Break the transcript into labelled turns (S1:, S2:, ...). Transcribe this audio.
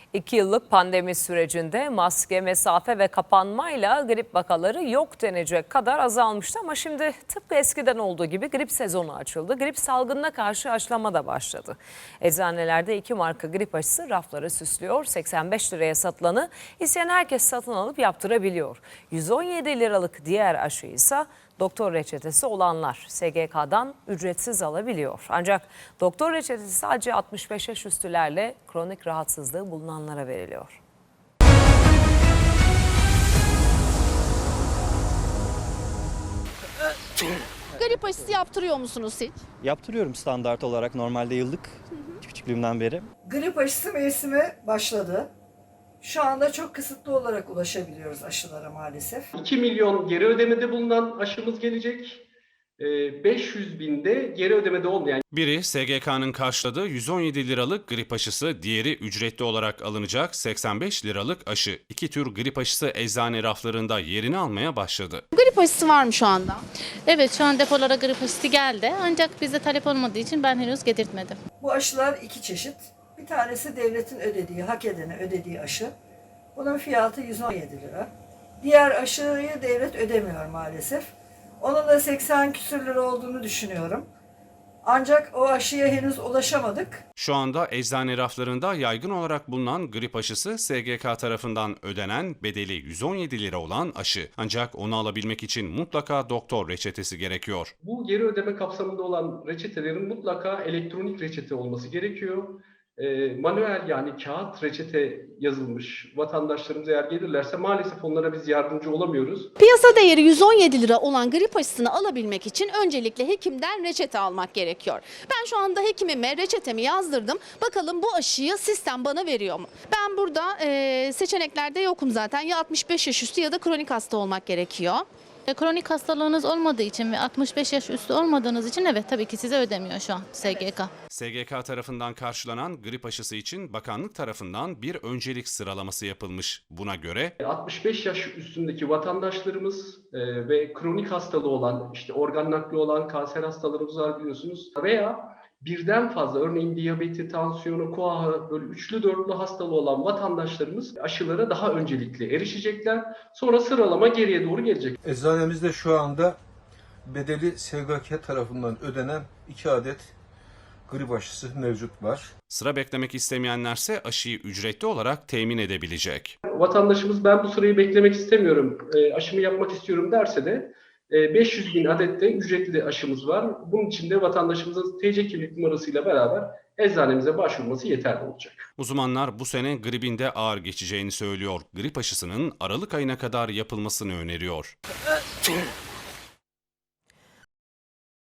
S1: 2 yıllık pandemi sürecinde maske, mesafe ve kapanmayla grip vakaları yok denecek kadar azalmıştı ama şimdi tıpkı eskiden olduğu gibi grip sezonu açıldı. Grip salgınına karşı aşılama da başladı. Eczanelerde 2 marka grip aşısı rafları süslüyor. 85 liraya satılanı isteyen herkes satın alıp yaptırabiliyor. 117 liralık diğer aşı ise doktor reçetesi olanlar SGK'dan ücretsiz alabiliyor. Ancak doktor reçetesi sadece 65 yaş üstülerle kronik rahatsızlığı bulunanlara veriliyor.
S2: Grip aşısı yaptırıyor musunuz hiç?
S3: Yaptırıyorum standart olarak normalde yıllık küçüklüğümden beri.
S4: Grip aşısı mevsimi başladı. Şu anda çok kısıtlı olarak ulaşabiliyoruz aşılara maalesef.
S5: 2 milyon geri ödemede bulunan aşımız gelecek. 500 binde geri ödemede olmayan.
S6: Biri SGK'nın karşıladığı 117 liralık grip aşısı, diğeri ücretli olarak alınacak 85 liralık aşı. İki tür grip aşısı eczane raflarında yerini almaya başladı.
S2: Grip aşısı var mı şu anda?
S7: Evet, şu an depolara grip aşısı geldi ancak bizde talep olmadığı için ben henüz getirtmedim.
S4: Bu aşılar iki çeşit. Bir tanesi devletin ödediği, hak edene ödediği aşı. Bunun fiyatı 117 lira. Diğer aşıyı devlet ödemiyor maalesef. Onun da 80 küsür lira olduğunu düşünüyorum. Ancak o aşıya henüz ulaşamadık.
S6: Şu anda eczane raflarında yaygın olarak bulunan grip aşısı SGK tarafından ödenen bedeli 117 lira olan aşı. Ancak onu alabilmek için mutlaka doktor reçetesi gerekiyor.
S5: Bu geri ödeme kapsamında olan reçetelerin mutlaka elektronik reçete olması gerekiyor. Manuel yani kağıt reçete yazılmış vatandaşlarımız eğer gelirlerse maalesef onlara biz yardımcı olamıyoruz.
S2: Piyasa değeri 117 lira olan grip aşısını alabilmek için öncelikle hekimden reçete almak gerekiyor. Ben şu anda hekimime reçetemi yazdırdım. Bakalım bu aşıyı sistem bana veriyor mu? Ben burada seçeneklerde yokum zaten. Ya 65 yaş üstü ya da kronik hasta olmak gerekiyor.
S7: Kronik hastalığınız olmadığı için ve 65 yaş üstü olmadığınız için evet tabii ki size ödemiyor şu an SGK.
S6: SGK tarafından karşılanan grip aşısı için bakanlık tarafından bir öncelik sıralaması yapılmış. Buna göre
S5: 65 yaş üstündeki vatandaşlarımız ve kronik hastalığı olan, işte organ nakli olan kanser hastalarımız var biliyorsunuz. Veya birden fazla örneğin diyabeti, tansiyonu, koahı böyle üçlü dörtlü hastalığı olan vatandaşlarımız aşılara daha öncelikli erişecekler. Sonra sıralama geriye doğru gelecek.
S8: Eczanemizde şu anda bedeli SGK tarafından ödenen 2 adet grip aşısı mevcut var.
S6: sıra beklemek istemeyenlerse aşıyı ücretli olarak temin edebilecek.
S5: Vatandaşımız ben bu sırayı beklemek istemiyorum, aşımı yapmak istiyorum derse de 500 bin adet de ücretli aşımız var. Bunun için de vatandaşımızın TC kimlik numarasıyla beraber eczanemize başvurması yeterli olacak.
S6: Uzmanlar bu sene gripin de ağır geçeceğini söylüyor. Grip aşısının Aralık ayına kadar yapılmasını öneriyor.